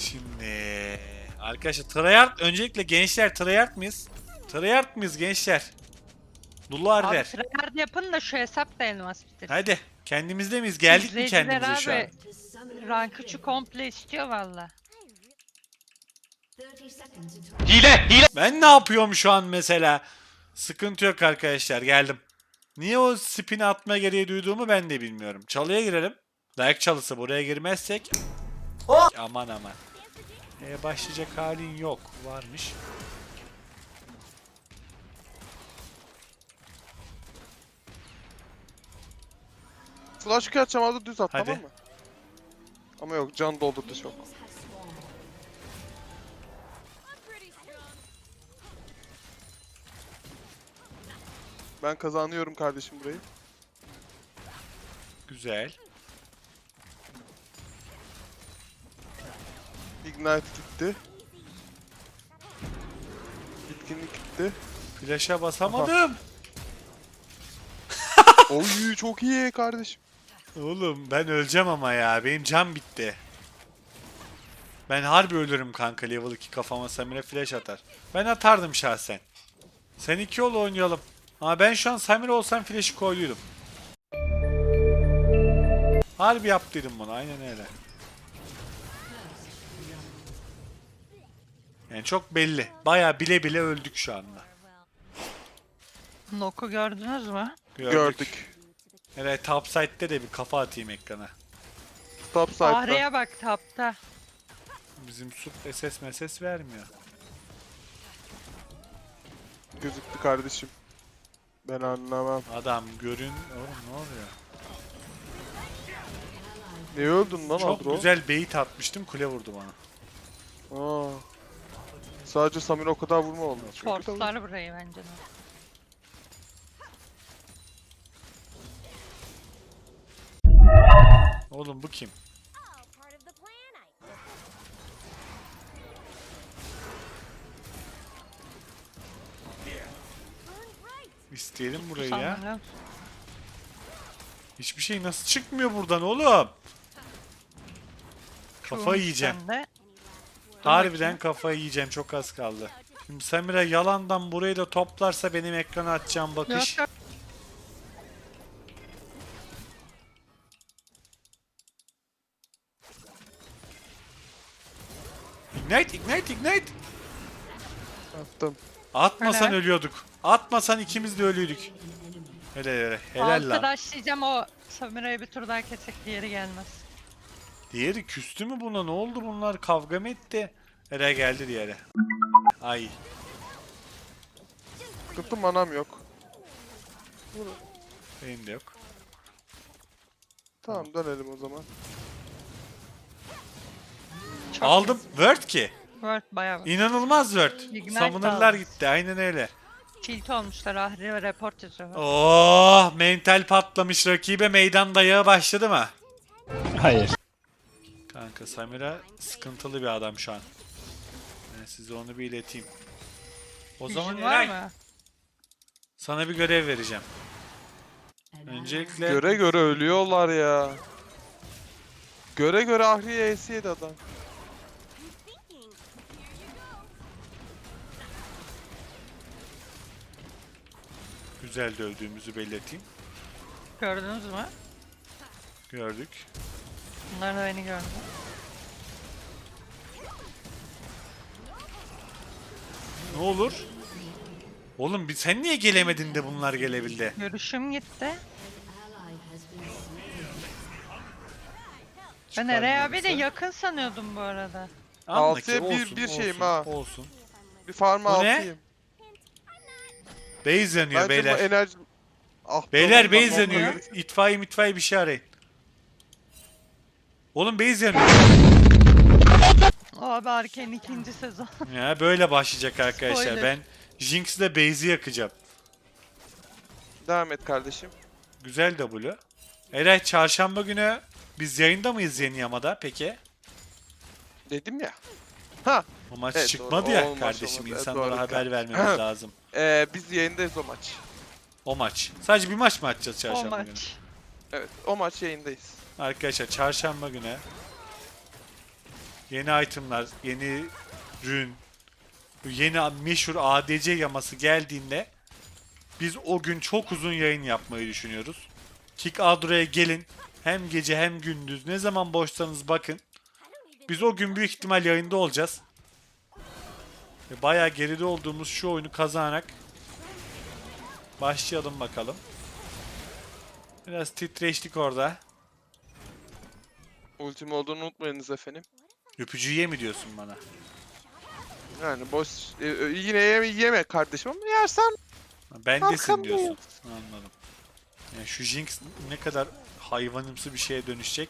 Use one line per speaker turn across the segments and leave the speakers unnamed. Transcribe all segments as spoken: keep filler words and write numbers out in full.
Şimdi arkadaşlar tryhard öncelikle gençler tryhard mıyız? Tryhard mıyız gençler? Dullar
Abi
der.
tryhard yapın da şu hesap da elmas bitir.
Hadi kendimizde miyiz? Geldik mi
İzleyiciler
kendimize şu an?
abi rank üçü komple istiyor valla.
Hile! Hile!
Ben ne yapıyorum şu an mesela? Sıkıntı yok arkadaşlar, geldim. Niye o spin'i atma gereği duyduğumu ben de bilmiyorum. Çalıya girelim. Dayak çalısı, buraya girmezsek. Aman aman. Ee, başlayacak halin yok. Varmış.
Flash Q atacağım orada düz at,
Hadi.
tamam mı? Ama yok, can doldurdu çok. Ben kazanıyorum kardeşim burayı.
Güzel.
Ignite gitti. Bitkinlik gitti.
Flash'a basamadım.
Oy çok iyi kardeşim.
Oğlum ben öleceğim ama ya. Benim can bitti. Ben harbi ölürüm kanka, level iki kafama Samira flash atar. Ben atardım şahsen. Sen iki yol oynayalım. Ama ben şu an Samira olsam flash'ı koyduydum. Harbi yaptıydım bunu, aynen öyle. Yani çok belli. Baya bile bile öldük şu anda.
Noku gördünüz mü?
Gördük.
Gördük.
Evet, top side'de de bir kafa atayım ekrana.
Top side'da.
Ahri'ye bak tapta.
Bizim sup S S M S vermiyor.
Gözüktü kardeşim. Ben anlamam.
Adam görün... Oğlum ne oluyor?
Ne öldün lan
Çok
Adro?
güzel bait atmıştım, kule vurdu bana.
Aa. Sadece Samir o kadar vurma oldu. Çünkü tabii-
Force'lar burayı bence de.
Oğlum bu kim? İsteyelim burayı ya.
Sanırım.
Hiçbir şey nasıl çıkmıyor buradan oğlum? Kafa
Çoğun
yiyeceğim.
sende.
Harbiden kafa yiyeceğim, çok az kaldı. Şimdi Samira yalandan burayı da toplarsa benim ekrana atacağım bakış.
Yok, yok.
Ignite, ignite, ignite.
Attım.
Atmasan
Helal.
ölüyorduk. Atmasan ikimiz de ölüydük. Hele hele. Helal lan.
Arkadaşlayacağım o Samira'yı bir tur daha kesek diğeri gelmez.
Diğeri küstü mü buna? Ne oldu bunlar? Kavga mı etti? Hele geldi diğeri. Ay.
Sıkıntı manam yok.
Benim de yok.
Tamam dönelim o zaman.
Çok
Aldım. Word ki.
Word bayağı var.
İnanılmaz Word.
Ignite
Summoner'lar
aldım.
gitti. Aynen öyle.
Tilt olmuşlar Ahri ve report yazıyor.
Oh, mental patlamış, rakibe meydan dayağı başladı mı?
Hayır.
Kanka Samira sıkıntılı bir adam şu an. Ben size onu bir ileteyim. O zaman
Vision var
Eray,
mı?
sana bir görev vereceğim. Öncelikle
Göre göre ölüyorlar ya. Göre göre Ahriye A C yedi adam.
güzel dövdüğümüzü belirteyim.
Gördünüz mü?
Gördük.
Bunlar da beni gördü.
Ne olur? Oğlum bir- sen niye gelemedin de bunlar gelebildi?
Görüşüm gitti. Ben
Çıkar
Eray abi de
birisi.
yakın sanıyordum bu arada.
Anla
Altıya
ki
bir-
olsun,
bir şeyim
olsun,
ha.
Olsun.
Bir farm'a
Bu ne?
altıyım.
Base yanıyor
Bence
beyler.
bu enerji... Ah,
Beyler
tamam,
base
tamam,
yanıyor.
evet.
İtfaiye mitfaiye bir şey arayın. Oğlum base yanıyor.
Abi Arkane'in ikinci sezon.
Ya böyle başlayacak arkadaşlar.
Spoiler.
Ben Jinx'le base'i yakacağım.
Devam et kardeşim.
Güzel W. Eray çarşamba günü biz yayında mıyız Yeni Yama'da peki?
Dedim ya. Ha.
O maç
Evet,
çıkmadı
doğru.
ya
O maç
kardeşim.
olmadı. Evet,
İnsanlara
doğru.
haber vermemiz lazım.
Ee, biz yayındayız o maç.
O maç. Sadece bir maç mı atacağız
O
çarşamba günü?
maç.
Evet, o maç yayındayız.
Arkadaşlar çarşamba günü yeni itemlar, yeni rün, yeni meşhur A D C yaması geldiğinde biz o gün çok uzun yayın yapmayı düşünüyoruz. Kick Adro'ya gelin. Hem gece hem gündüz. Ne zaman boşsanız bakın. Biz o gün büyük ihtimal yayında olacağız. Ve bayağı geride olduğumuz şu oyunu kazanarak başlayalım bakalım. Biraz titreştik orada.
Ultim olduğunu unutmayınız efendim.
Öpücüğü mi diyorsun bana?
Yani boş e, e, yine yeme, yeme kardeşim ama yersen
Bendesin
Arkandayım.
diyorsun. Anladım. Yani şu Jinx ne kadar hayvanımsı bir şeye dönüşecek.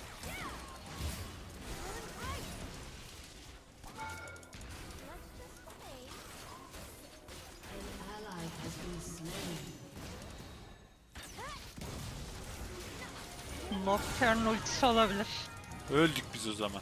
Nocturne ultisi olabilir.
Öldük biz o zaman.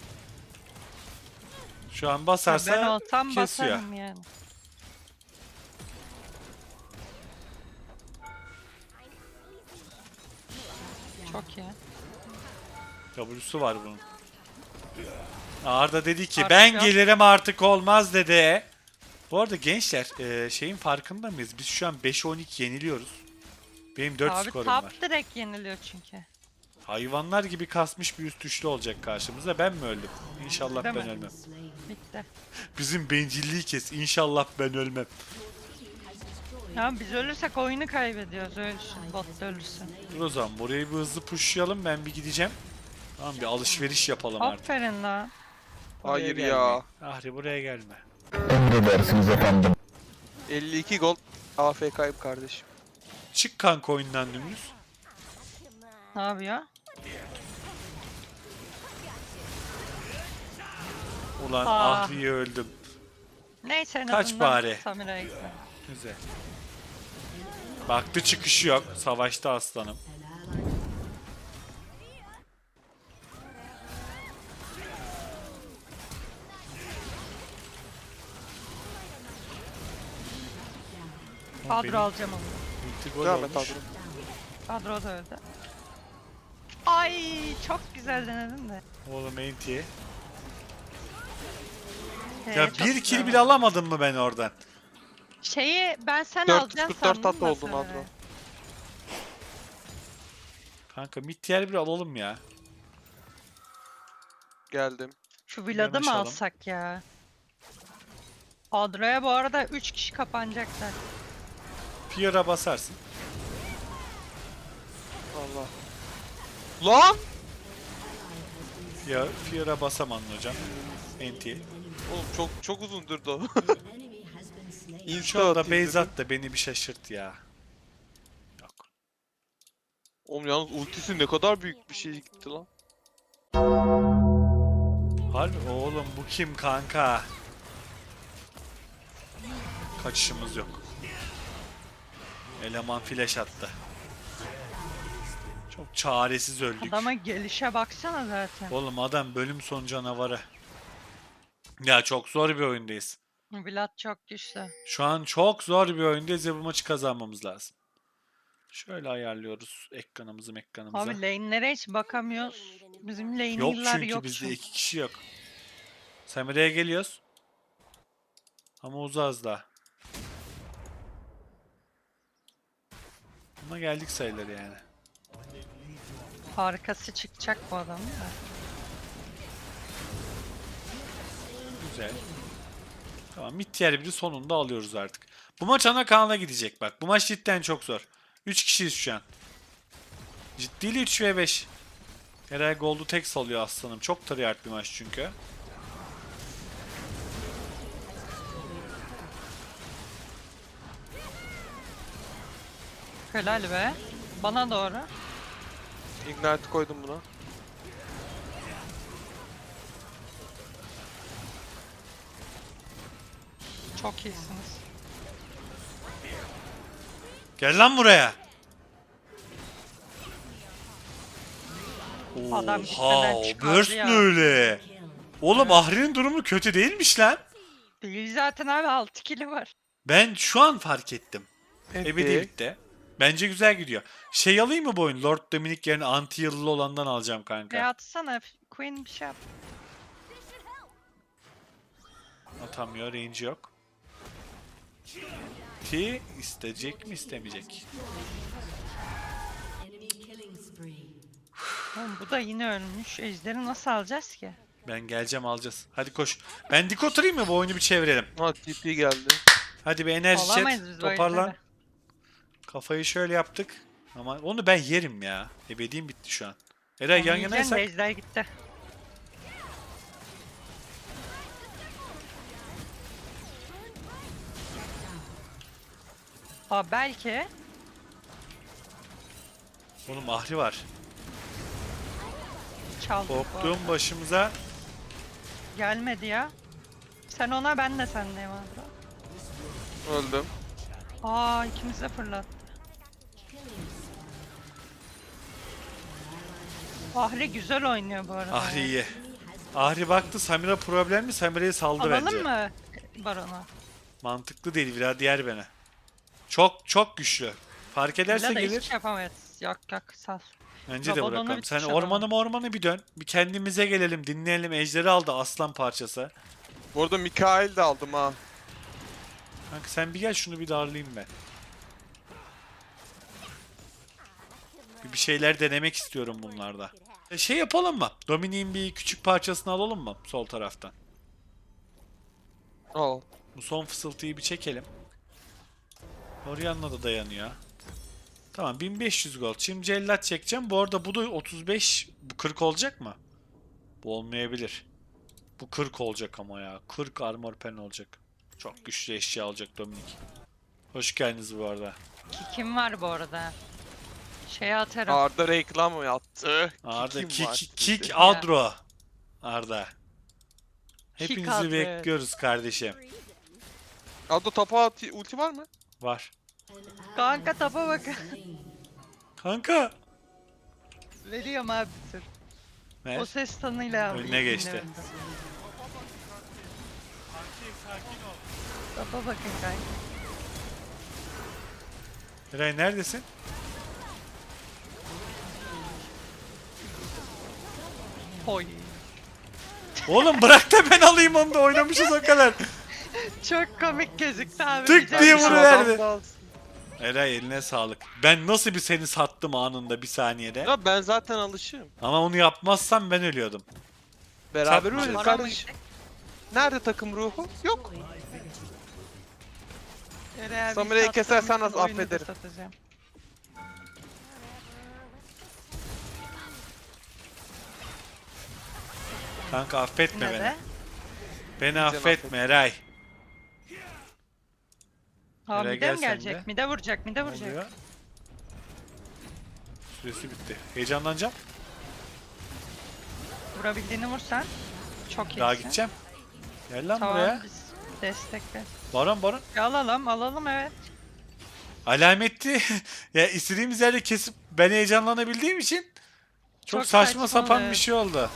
Şu an
Ben
basarsa
olsam
kesiyor.
basarım yani. Çok iyi.
W'su var bunun. Arda dedi ki
Artık
ben
yok.
gelirim artık olmaz dedi. Bu arada gençler e, şeyin farkında mıyız? Biz şu an beşe on iki yeniliyoruz. Benim dört
Abi
skorum
top
var.
direkt yeniliyor çünkü.
Hayvanlar gibi kasmış bir üst üçlü olacak karşımıza. Ben mi öldüm? İnşallah
Değil
ben
mi?
ölmem.
Bitti.
Bizim bencilliği kes. İnşallah ben ölmem.
Ya biz ölürsek oyunu kaybediyoruz. Ölsün. Bot da ölürsün.
Dur o zaman burayı bir hızlı pushlayalım. Ben bir gideceğim. Tamam bir alışveriş yapalım artık.
Aferin lan.
Buraya
hayır
gelme.
ya.
Ahri buraya gelme.
elli iki gold A F K'yım kardeşim.
Çık kanka oyundan dümdüz.
Ne yapıyor?
Ulan
Aa.
Ahri'ye öldüm.
Neyse en
Kaç
azından
bari.
Samira'ya gitti.
Güzel. Baktı çıkışı yok. Savaşta aslanım. Ama benim
Kadro alacağım onu.
ulti gol
Devam et
olmuş.
abi.
Kadro da öldü. Ay çok güzel denedin de.
Oğlum enti.
Ee,
Ya
çok
bir
güzel
kill
oldu.
bile alamadım mı ben oradan?
Şeyi ben sen
dört yüz
alacaksın
kırk dört
sandım
tatlı
da
oldun
sonra.
Adro.
Kanka mid tier bir alalım ya.
Geldim.
Şu Vlad'ı mı
Yanaşalım.
alsak ya? Adro'ya bu arada üç kişi kapanacaklar.
Fear'a basarsın.
Allah. Lan!
Ya Fear'a basamadın hocam. Enti.
Oğlum çok çok uzun durdu o.
Şu
Insta
anda
atayım
base
dedim.
at da beni bir şaşırt ya. Yok.
Oğlum yalnız ultisi ne kadar büyük bir şey gitti lan.
Harbi oğlum bu kim kanka? Kaçışımız yok. Eleman flash attı. Çok çaresiz öldük.
Adama gelişe baksana zaten.
Oğlum adam bölüm sonu canavarı. Ya çok zor bir oyundayız.
Vlad çok güçlü.
Şu an çok zor bir oyundayız ve bu maçı kazanmamız lazım. Şöyle ayarlıyoruz ekranımızı ekranımıza.
Abi lane'lere hiç bakamıyoruz. Bizim
Yok
lane'liler
çünkü
yok.
bizde
çünkü.
iki kişi yok. Samire'ye geliyoruz. Ama uzağız daha. Ama geldik sayılır yani.
Arkası çıkacak bu adamın da.
Güzel. Tamam mid tier biri sonunda alıyoruz artık. Bu maç ana kanala gidecek bak. Bu maç cidden çok zor. üç kişiyiz şu an. Ciddiyle üç ve beş. Herhalde Gold'u tek salıyor aslanım. Çok tryhard bir maç çünkü.
Helal be. Bana doğru.
Ignite koydum buna.
Çok iyisiniz.
Gel lan buraya.
Adam
Oha,
gitmeden çıkardı
burst
ya.
ne öyle? Oğlum Ahri'nin durumu kötü değilmiş lan.
Değil zaten abi altı kili var.
Ben şu an fark ettim.
Enti.
Ebedilikte. Bence güzel gidiyor. Şey alayım mı bu oyun? Lord Dominic yerine anti yıllı olandan alacağım kanka.
Ve atsana Queen bir şey yap.
atamıyor. Range yok. T isteyecek mi istemeyecek?
Oğlum bu da yine ölmüş. Ejderi nasıl alacağız ki?
Ben geleceğim alacağız. Hadi koş. Ben dik oturayım mı bu oyunu bir çevirelim.
Ha T P geldi.
Hadi bir enerji
Olamayız
chat.
biz bu
Toparlan.
ejderi.
Kafayı şöyle yaptık. Ama onu ben yerim ya. Ebediğim bitti şu an. Eray yan
Onu yiyeceksin de
yanaysak.
ejder gitti. Aa belki.
Oğlum ahri var.
Çaldık bu arada.
Korktuğum başımıza.
Gelmedi ya. Sen ona ben de sendeyim abi.
Öldüm.
Aa ikimiz de fırlattı. Ahri güzel oynuyor bu arada.
Ahri iyi. Ahri baktı Samira problemli. Samira'yı saldı
Alalım
bence.
mı Baron'a?
Mantıklı değil. Biraz diğer beni. Çok çok güçlü. Fark ederse
Villa da
gelir.
hiç yapamayız. Yok yok sal.
Bence de
Rabadon'u
bırakalım.
bir
Sen
tuşa alalım.
ormanı ormanı bir dön. Bir kendimize gelelim. Dinleyelim. Ejderi aldı aslan parçası.
Bu arada Mikael de aldım ha.
Kanka sen bir gel şunu bir darlayayım ben. Bir, bir şeyler denemek istiyorum bunlarda. E, Şey yapalım mı? Dominik'in bir küçük parçasını alalım mı? Sol taraftan.
Al.
Bu son fısıltıyı bir çekelim. Orianna da dayanıyor. Tamam bin beş yüz gold. Şimdi cellat çekeceğim. Bu arada bu da otuz beş, bu kırk olacak mı? Bu olmayabilir. Bu kırk olacak ama ya. kırk armor pen olacak. Çok güçlü eşya alacak Dominik. Hoş geldiniz bu arada.
Ki kim var bu arada? Şeye atarım.
Arda reklam mı yaptı?
Arda
Kim var
kick,
sizde?
kick Adro. Arda.
Kick
Hepinizi
Adro, evet.
bekliyoruz kardeşim.
Arda tapa at- ulti var mı?
Var.
Kanka tapa bakın.
Kanka.
Veriyorum abi bir tür.
Ne?
O ses tonuyla abi.
Önüne geçti.
dinlemedim. Tapa bakın kanka.
Eray neredesin?
Oy.
Oğlum bırak da ben alayım onu da oynamışız o kadar.
Çok komik gözüktü abi.
Tık
Güzel
diye
bir şey.
vuruverdi.
Adam da alsın.
Eray eline sağlık. Ben nasıl bir seni sattım anında bir saniyede.
Ya ben zaten alışığım.
Ama onu yapmazsam ben ölüyordum.
Beraber
Satmayacağız.
ölürüz
Baron mu
kardeş.
gidecek?
Nerede takım ruhu? Yok.
Eğer bir
Samira'yı
satsam
kesersen az
bütün oyunu da
affederim.
satacağım.
Kanka affetme
Ne
beni.
de?
Beni
affet.
affetme Eray.
Ha
Nereye
mide mi
gel sen de.
gelecek? Mide vuracak, mide
Ne
vuracak.
oluyor? Süresi bitti. Heyecanlanacağım.
Vurabildiğini vursan çok iyisin.
Daha gideceğim. Gel lan
Tamam
buraya.
biz destekle.
Baron baron.
Alalım, alalım evet.
Alametli. Ya istediğimiz yerde kesip ben heyecanlanabildiğim için çok,
Çok
saçma
saçma
sapan
oluyor.
bir şey oldu.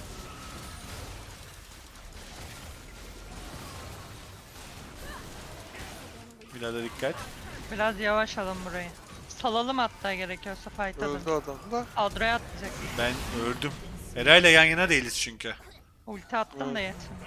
Biraz da dikkat.
Biraz yavaş alın burayı. Salalım hatta gerekiyorsa fight alın.
Öldü adam da.
Adro'ya atlayacak.
Ben öldüm. Eray'la yan yana değiliz çünkü.
Ulti attım da yetmiyor.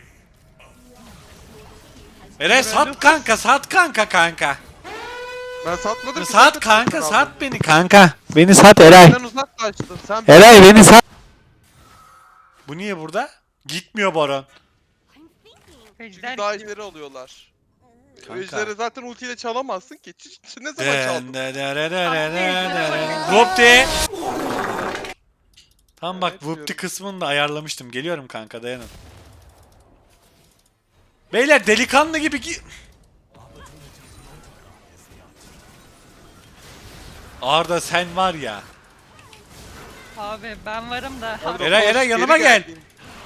Eray sat kanka, sat kanka kanka.
Ben satmadım ki.
Sat
sen de
kanka,
aldın.
sat beni kanka. Beni sat Eray.
Sen uzaklaştın. Sen
Eray beni sat. Bu niye burada? Gitmiyor Baron.
Ejder
daha
gidiyor.
ileri alıyorlar.
Kanka.
Ejderi zaten ultiyle çalamazsın ki. Ç- ç- Ne zaman çaldın?
Vupti. Tam bak
Evet,
Vupti
diyorum.
kısmını da ayarlamıştım. Geliyorum kanka dayanın. Beyler delikanlı gibi gi- Arda sen var ya.
Abi ben varım da.
Arda,
Eray,
koş,
Eray,
geri
yanıma gel.
geldin.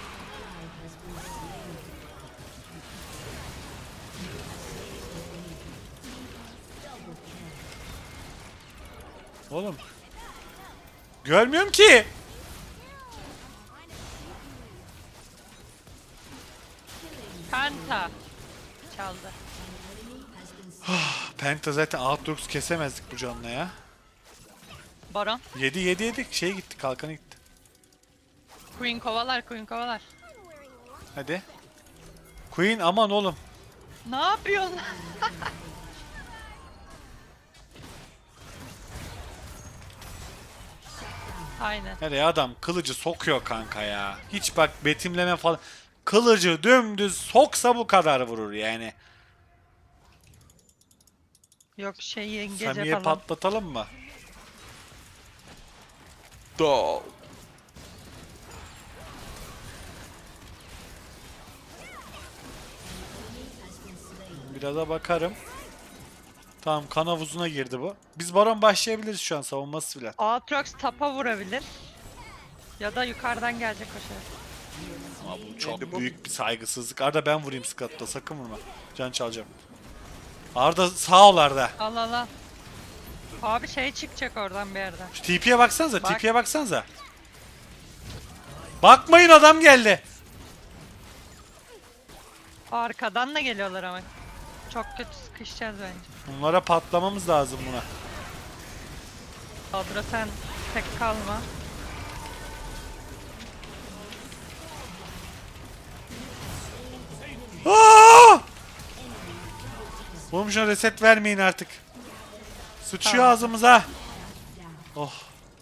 Oğlum. Görmüyorum ki.
Penta. Çaldı.
Penta zaten Aatrox kesemezdik bu canla ya.
Baron.
Yedi yedi yedik. Şey gitti, kalkanı gitti.
Queen kovalar, Queen kovalar.
Hadi. Queen aman oğlum.
Ne yapıyorsun? Aynen.
Nereye adam kılıcı sokuyor kanka ya. Hiç bak betimleme falan. Kılıcı dümdüz soksa bu kadar vurur yani.
Yok şey yengece
Samiye
falan.
patlatalım mı?
Do.
Biraz da bakarım. Tamam kan havuzuna girdi bu. Biz baron başlayabiliriz şu an savunması filan.
Aatrox tapa vurabilir. Ya da yukarıdan gelecek o şey.
Ama bu çok
Neydi bu?
büyük bir saygısızlık. Arda ben vurayım Scott'ta sakın vurma. Can çalacağım. Arda sağ ol Arda.
Al al al. Abi şey çıkacak oradan bir yerden.
Şu T P'ye baksanıza,
Bak.
T P'ye baksanıza. Bakmayın adam geldi.
Arkadan da geliyorlar ama. Çok kötü sıkışacağız bence.
Bunlara patlamamız lazım buna.
Adra sen tek kalma.
Aa! Oğlum şuna reset vermeyin artık. Sıçıyor
Tamam.
ağzımıza. Oh.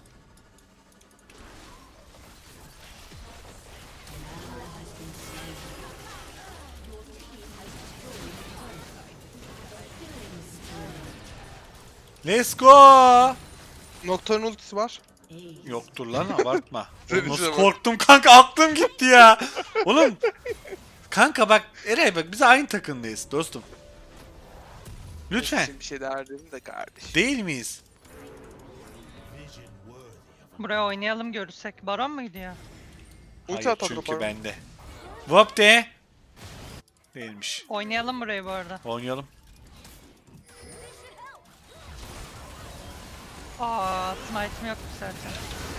Let's go.
Nocturne ultisi var.
Yoktur lan abartma. Oğlum
Tabii
nasıl
canım.
korktum kanka aklım gitti ya. Oğlum. Kanka bak Eray bak biz aynı takımdayız dostum. Lütfen.
Şimdi bir şey derdim de kardeşim.
Değil miyiz?
Buraya oynayalım görürsek. Baron mu gidiyor?
Ulti
Hayır
at
çünkü
Atropa.
bende. Vop de. Değilmiş.
Oynayalım burayı bu arada.
Oynayalım.
Aa, smite'im yoktu zaten.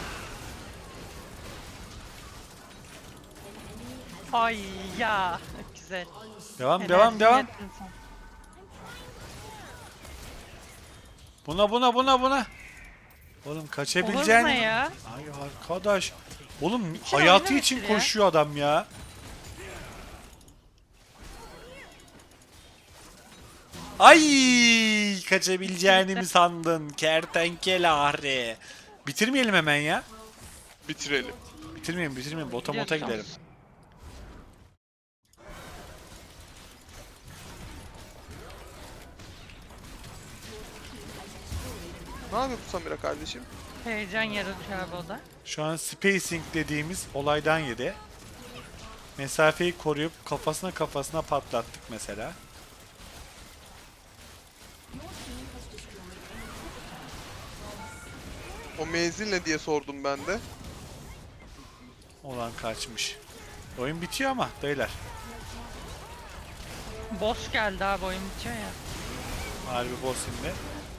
Ay ya, güzel.
Devam
Enerjini
devam devam.
yettin sen.
Buna buna buna buna. Oğlum
Olur
kaçabileceğin.
mu ya?
Ay arkadaş. Oğlum
Sen
hayatı
oynamışsın
için
ya.
koşuyor adam ya. Ay kaçabileceğini mi sandın kertenkele ahri. Bitirmeyelim hemen ya.
Bitirelim.
Bitirmeyelim bitirmeyelim bota mota
Gidiyoruz.
gidelim.
Ne yapıyor bu Samira kardeşim?
Heyecan yaratıyor abi o da.
Şu an spacing dediğimiz olaydan yedi. Mesafeyi koruyup kafasına kafasına patlattık mesela.
O menzil ne diye sordum ben de.
Olan kaçmış. Oyun bitiyor ama beyler.
Boss geldi abi oyun bitiyor ya.
Harbi boss şimdi.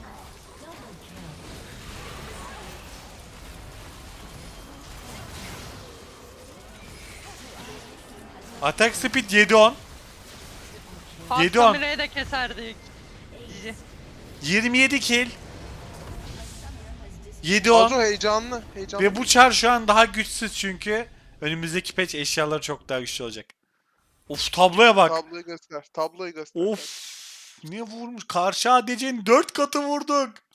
Attack speed yedi on. Yedi on.
Samira'yı da keserdik. Cici.
yirmi yedi kill. yedi on.
Adro heyecanlı. Heyecanlı.
Ve bu çar şu an daha güçsüz çünkü önümüzdeki patch eşyaları çok daha güçlü olacak. Of tabloya bak.
Tabloyu göster. Tabloyu göster.
Of. Ne vurmuş? Karşı A D C'nin dört katı vurduk.